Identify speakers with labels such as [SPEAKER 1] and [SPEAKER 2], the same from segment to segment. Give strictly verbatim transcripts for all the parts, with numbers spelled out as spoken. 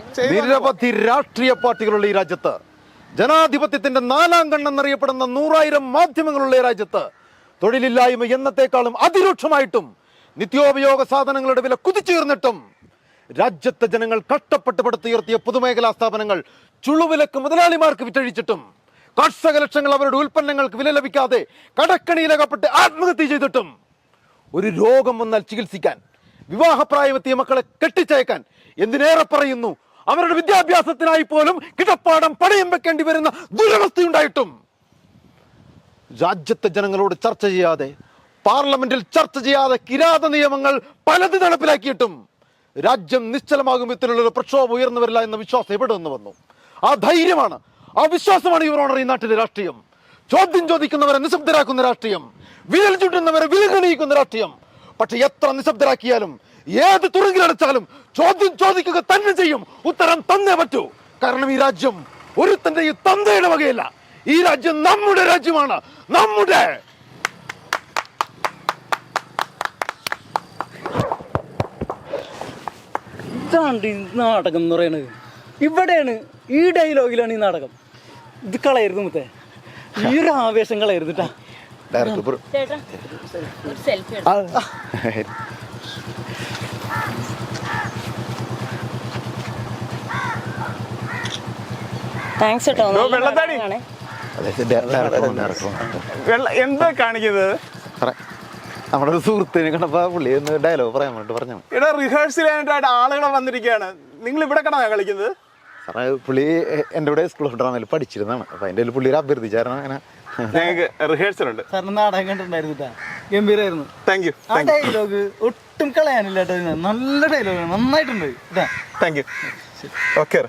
[SPEAKER 1] നിരവധി രാഷ്ട്രീയ പാർട്ടികളുള്ള ഈ രാജ്യത്ത്, ജനാധിപത്യത്തിന്റെ നാലാം കണ്ണെന്നറിയപ്പെടുന്ന നൂറായിരം മാധ്യമങ്ങളുള്ള ഈ രാജ്യത്ത് തൊഴിലില്ലായ്മ എന്നത്തെക്കാളും അതിരൂക്ഷമായിട്ടും നിത്യോപയോഗ സാധനങ്ങളുടെ വില കുതിച്ചുയർന്നിട്ടും രാജ്യത്തെ ജനങ്ങൾ കഷ്ടപ്പെട്ട് പടുത്തുയർത്തിയ പൊതുമേഖലാ സ്ഥാപനങ്ങൾ ചുളുവിലക്ക് മുതലാളിമാർക്ക് വിറ്റഴിച്ചിട്ടും കർഷക ലക്ഷങ്ങൾ അവരുടെ ഉൽപ്പന്നങ്ങൾക്ക് വില ലഭിക്കാതെ കടക്കണിയിലകപ്പെട്ട് ആത്മഹത്യ ചെയ്തിട്ടും ഒരു രോഗം വന്നാൽ ചികിത്സിക്കാൻ, വിവാഹപ്രായമെത്തിയ മക്കളെ കെട്ടിച്ചയക്കാൻ, എന്തിനേറെ പറയുന്നു അവരുടെ വിദ്യാഭ്യാസത്തിനായി പോലും കിടപ്പാടം പണയം വെക്കേണ്ടി വരുന്ന ദുരവസ്ഥയുണ്ടായിട്ടും രാജ്യത്തെ ജനങ്ങളോട് ചർച്ച ചെയ്യാതെ, പാർലമെന്റിൽ ചർച്ച ചെയ്യാതെ കിരാത നിയമങ്ങൾ പലത് നടപ്പിലാക്കിയിട്ടും രാജ്യം നിശ്ചലമാകും വിധത്തിലുള്ള പ്രക്ഷോഭം ഉയർന്നു വരില്ല എന്ന വിശ്വാസം എവിടെ നിന്ന് വന്നു? ആ ധൈര്യമാണ്, ആ വിശ്വാസമാണ് യുവർ ഓണർ ഈ നാട്ടിലെ രാഷ്ട്രീയം. ചോദ്യം ചോദിക്കുന്നവരെ നിശബ്ദരാക്കുന്ന രാഷ്ട്രീയം, വിരൽ ചുറ്റുന്നവരെ വിലകണിയിക്കുന്ന രാഷ്ട്രീയം. പക്ഷെ എത്ര നിശബ്ദരാക്കിയാലും ഏത് തുറങ്കിലടച്ചാലും ചോദ്യം ചോദിക്കുക തന്നെ ചെയ്യും. ഉത്തരം തന്നേ പറ്റൂ. കാരണം ഈ രാജ്യം ഒരുത്തന്റെ ഈ തന്തയുടെ വകയല്ല. ഈ രാജ്യം നമ്മുടെ രാജ്യമാണ്, നമ്മുടെ.
[SPEAKER 2] ഇതാണ് ഈ നാടകം എന്ന് പറയുന്നത്. ഇവിടെയാണ്, ഈ ഡയലോഗിലാണ് ഈ നാടകം. ഇത് കളയരുത് മുത്തേ, ഈ ഒരു ആവേശം കളയരുത് കേട്ടാ.
[SPEAKER 3] എന്താ കാണിക്കുന്നത്?
[SPEAKER 1] നമ്മുടെ ഒരു സുഹൃത്തിനെ കണ്ടപ്പോ പുള്ളി ഒന്ന് ഡയലോഗ് പറയാൻ വേണ്ടി പറഞ്ഞു.
[SPEAKER 3] ഇവിടെ റിഹേഴ്സൽ ചെയ്യാനായിട്ട് ആളുകളെ വന്നിരിക്കുകയാണ്. നിങ്ങൾ ഇവിടെ കണ കളിക്കുന്നത്?
[SPEAKER 1] സാറേ, പുള്ളി എൻ്റെ കൂടെ സ്കൂൾ ഓഫ് ഡ്രാമയിൽ പഠിച്ചിരുന്നതാണ്. അപ്പൊ അതിന്റെ പുള്ളി അഭ്യർത്ഥിച്ചായിരുന്നു. അങ്ങനെ
[SPEAKER 3] ഞങ്ങൾക്ക് റിഹേഴ്സൽ ഉണ്ട്.
[SPEAKER 2] സാറിന് നാടകം കണ്ടിട്ടുണ്ടായിരുന്നു, ഗംഭീരായിരുന്നു.
[SPEAKER 3] Thank you.
[SPEAKER 2] ആ ഡയലോഗ് ഒട്ടും കളയാനില്ല കേട്ടോ, നല്ല ഡയലോഗ്, നന്നായിട്ടുണ്ട്.
[SPEAKER 3] Thank you. ഓക്കെ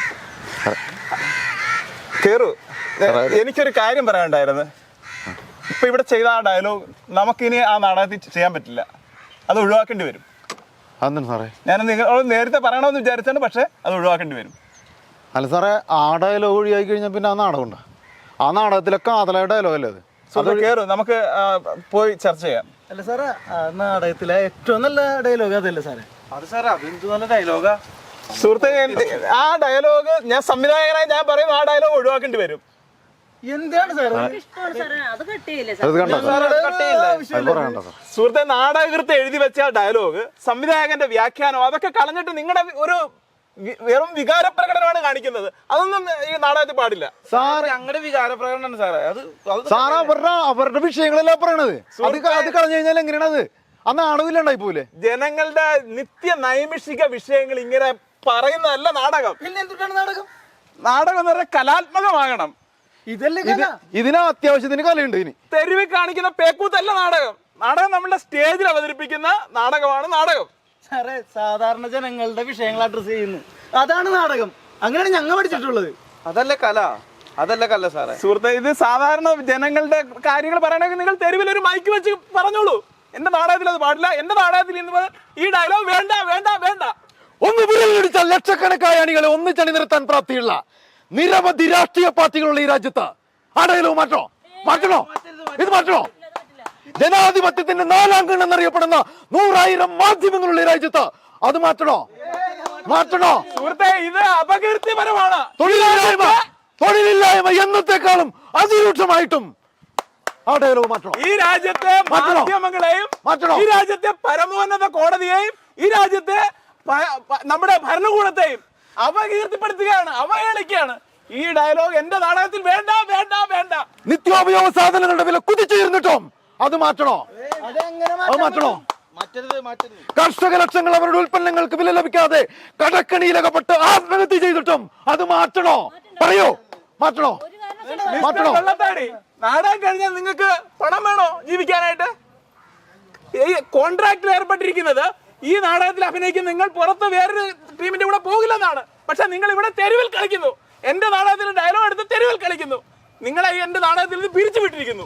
[SPEAKER 3] കേറു. എനിക്കൊരു കാര്യം പറയാനുണ്ടായിരുന്നു. ഇപ്പൊ ഇവിടെ ചെയ്ത ആ ഡയലോഗ് നമുക്കിനി ആ നാടകത്തിൽ ചെയ്യാൻ പറ്റില്ല, അത് ഒഴിവാക്കേണ്ടി വരും.
[SPEAKER 1] അതെന്താണ് സാറേ?
[SPEAKER 3] ഞാൻ നിങ്ങൾ നേരത്തെ പറയണമെന്ന് വിചാരിച്ചാണ്, പക്ഷെ അത് ഒഴിവാക്കേണ്ടി വരും.
[SPEAKER 1] അല്ല സാറേ, ആ ഡയലോഗ് ഒഴിവാക്കി കഴിഞ്ഞാൽ പിന്നെ ആ നാടകം ഉണ്ടോ? ആ നാടകത്തിലൊക്കെ കാതലായ ഡയലോഗ് അല്ലേ അത്?
[SPEAKER 3] കേറു, നമുക്ക് പോയി ചർച്ച ചെയ്യാം.
[SPEAKER 2] അല്ല സാറേ, നാടകത്തിലെ ഏറ്റവും നല്ല ഡയലോഗ് അതല്ലേ സാറേ?
[SPEAKER 4] അത് സാറേ, അതെന്ത് നല്ല ഡയലോഗാ
[SPEAKER 3] സുഹൃത്തെ. ആ ഡയലോഗ് ഞാൻ സംവിധായകനായി ഞാൻ പറയുന്നു, ആ ഡയലോഗ് ഒഴിവാക്കേണ്ടി വരും.
[SPEAKER 2] എന്താണ് സാറേ?
[SPEAKER 3] സുഹൃത്തെ, നാടകകൃത്ത് എഴുതി വെച്ച ഡയലോഗ്, സംവിധായകന്റെ വ്യാഖ്യാനം, അതൊക്കെ കളഞ്ഞിട്ട് നിങ്ങളുടെ ഒരു വെറും വികാര പ്രകടനമാണ് കാണിക്കുന്നത്. അതൊന്നും ഈ നാടകത്തിൽ പാടില്ല.
[SPEAKER 4] സാർ ഞങ്ങളുടെ വികാര പ്രകടനമാണ് സാറേ. അത്
[SPEAKER 1] സാറ് അവരുടെ അവരുടെ വിഷയങ്ങളെല്ലാം പറയണത്. അത് അത് കളഞ്ഞു കഴിഞ്ഞാൽ എങ്ങനെയാണ് അത്? ആ നാടകമില്ലാണ്ടായി പോലെ.
[SPEAKER 3] ജനങ്ങളുടെ നിത്യ നൈമിഷിക വിഷയങ്ങൾ ഇങ്ങനെ പറയുന്നതല്ല നാടകം.
[SPEAKER 2] പിന്നെ എന്തുകൊണ്ടാണ് നാടകം?
[SPEAKER 3] നാടകം എന്ന് പറഞ്ഞാൽ കലാത്മകമാകണം.
[SPEAKER 1] ഇതിന് അത്യാവശ്യത്തിന് കലയുണ്ട്. ഇനി
[SPEAKER 3] തെരുവിൽ കാണിക്കുന്ന പേക്കൂത്തല്ല നാടകം. നാടകം നമ്മുടെ സ്റ്റേജിൽ അവതരിപ്പിക്കുന്ന നാടകമാണ് നാടകം.
[SPEAKER 2] സാറേ, സാധാരണ ജനങ്ങളുടെ വിഷയങ്ങൾ അഡ്രസ് ചെയ്യുന്നു, അതാണ് നാടകം. അങ്ങനെയാണ് ഞങ്ങൾ പഠിച്ചിട്ടുള്ളത്.
[SPEAKER 4] അതല്ല കല, അതല്ല കല സാറേ.
[SPEAKER 3] സുഹൃത്തെ, ഇത് സാധാരണ ജനങ്ങളുടെ കാര്യങ്ങൾ പറയണമെങ്കിൽ നിങ്ങൾ തെരുവിൽ ഒരു മൈക്ക് വെച്ച് പറഞ്ഞോളൂ. എന്റെ നാടകത്തിൽ അത് പാടില്ല, എന്റെ നാടകത്തിൽ ഇന്ന് ഈ ഡയലോഗ് വേണ്ട വേണ്ട വേണ്ട.
[SPEAKER 1] ഒന്ന് വിരലിടിച്ചാൽ ലക്ഷക്കണക്കായ അണികളെ ഒന്നിച്ചണി നിർത്താൻ പ്രാപ്തിയുള്ള നിരവധി രാഷ്ട്രീയ പാർട്ടികളുള്ള ഈ രാജ്യത്ത് ആ ഡയലോഗ് മാറ്റണോ? മാറ്റണോ? ഇത് മാറ്റണോ? ജനാധിപത്യത്തിന്റെ നാലാം കണ്ണെന്നറിയപ്പെടുന്ന നൂറായിരം മാധ്യമങ്ങളുള്ള ഈ രാജ്യത്ത് അത് മാറ്റണോ? മാറ്റണോ?
[SPEAKER 3] സുഹൃത്തെ, ഇത് അപകീർത്തിപരമാണ്.
[SPEAKER 1] തൊഴിലില്ലായ്മ തൊഴിലില്ലായ്മ എന്നത്തെക്കാളും അതിരൂക്ഷമായിട്ടും ആ ഡയലോഗ് മാറ്റണോ?
[SPEAKER 3] ഈ രാജ്യത്തെ മാധ്യമങ്ങളെയും ഈ രാജ്യത്തെ പരമോന്നത കോടതിയെയും ഈ രാജ്യത്തെ നമ്മുടെ ഭരണകൂടത്തെയും അപകീർത്തിപ്പെടുത്തുകയാണ്, അവഹേളിക്കുകയാണ്. ഈ ഡയലോഗ് എന്റെ നാടകത്തിൽ വേണ്ട വേണ്ട വേണ്ട.
[SPEAKER 1] നിത്യോപയോഗ സാധനങ്ങളുടെ വില കുതിച്ചുയർന്നിട്ടും അത് മാറ്റണോ? അത് മാറ്റണോ? കർഷക ലക്ഷങ്ങൾ അവരുടെ ഉൽപ്പന്നങ്ങൾക്ക് വില ലഭിക്കാതെ കടക്കണിയിലകപ്പെട്ട് ആത്മഹത്യ ചെയ്തിട്ടും അത് മാറ്റണോ? പറയൂ, മാറ്റണോ? മാറ്റണോ?
[SPEAKER 3] വെള്ളത്താടി, നാടകം കഴിഞ്ഞാൽ നിങ്ങൾക്ക് പണം വേണോ ജീവിക്കാനായിട്ട്? ഈ കോൺട്രാക്റ്റിൽ ഏർപ്പെട്ടിരിക്കുന്നത് ഈ നാടകത്തിൽ അഭിനയിക്കുന്ന നിങ്ങൾ പുറത്ത് വേറൊരു ടീമിന്റെ കൂടെ പോകില്ലെന്നാണ്. പക്ഷെ നിങ്ങൾ ഇവിടെ തെരുവിൽ കളിക്കുന്നു. എന്റെ നാടകത്തിൽ ഡയലോഗ് എടുത്ത് തെരുവിൽ കളിക്കുന്നു. നിങ്ങളെ എന്റെ നാടകത്തിൽ നിന്ന് പിരിച്ചു വിട്ടിരിക്കുന്നു.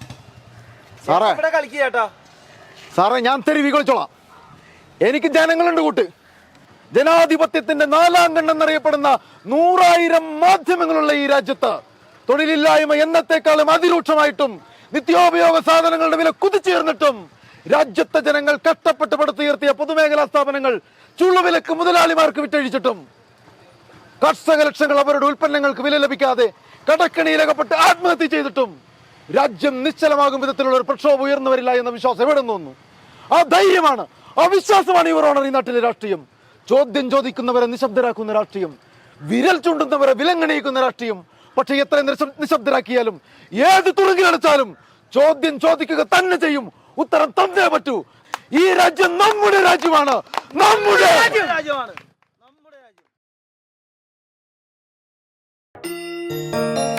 [SPEAKER 4] സാറേ കളിക്കുക
[SPEAKER 1] സാറേ, ഞാൻ തെരുവി കളിച്ചോളാം. എനിക്ക് ജനങ്ങളുണ്ട് കൂട്ട്. ജനാധിപത്യത്തിന്റെ നാലാം കണ്ണെന്നറിയപ്പെടുന്ന നൂറായിരം മാധ്യമങ്ങളുള്ള ഈ രാജ്യത്ത് തൊഴിലില്ലായ്മ എന്നത്തെക്കാളും അതിരൂക്ഷമായിട്ടും നിത്യോപയോഗ സാധനങ്ങളുടെ വില കുതിച്ചുയർന്നിട്ടും രാജ്യത്തെ ജനങ്ങൾ കഷ്ടപ്പെട്ട് പടുത്തുയർത്തിയ പൊതുമേഖലാ സ്ഥാപനങ്ങൾ ചുള്ളുവിലക്ക് മുതലാളിമാർക്ക് വിറ്റഴിച്ചിട്ടും കർഷക ലക്ഷങ്ങൾ അവരുടെ ഉൽപ്പന്നങ്ങൾക്ക് വില ലഭിക്കാതെ കടക്കണിയിലകപ്പെട്ട് ആത്മഹത്യ ചെയ്തിട്ടും രാജ്യം നിശ്ചലമാകും വിധത്തിലുള്ള ഒരു പ്രക്ഷോഭം ഉയർന്നു വരില്ല എന്ന വിശ്വാസം എവിടെ തോന്നുന്നു? ആ ധൈര്യമാണ്, ആ വിശ്വാസമാണ് യുവർ ഓണർ ഈ നാട്ടിലെ രാഷ്ട്രീയം. ചോദ്യം ചോദിക്കുന്നവരെ നിശബ്ദരാക്കുന്ന രാഷ്ട്രീയം, വിരൽ ചൂണ്ടുന്നവരെ വിലങ്ങണിയിക്കുന്ന രാഷ്ട്രീയം. പക്ഷെ എത്ര നിശബ്- നിശബ്ദരാക്കിയാലും ഏത് തുറങ്കിലടച്ചാലും ചോദ്യം ചോദിക്കുക തന്നെ ചെയ്യും. ഉത്തരം തന്നേ പറ്റൂ. ഈ രാജ്യം നമ്മുടെ രാജ്യമാണ്, നമ്മുടെ
[SPEAKER 4] രാജ്യമാണ് നമ്മുടെ രാജ്യം.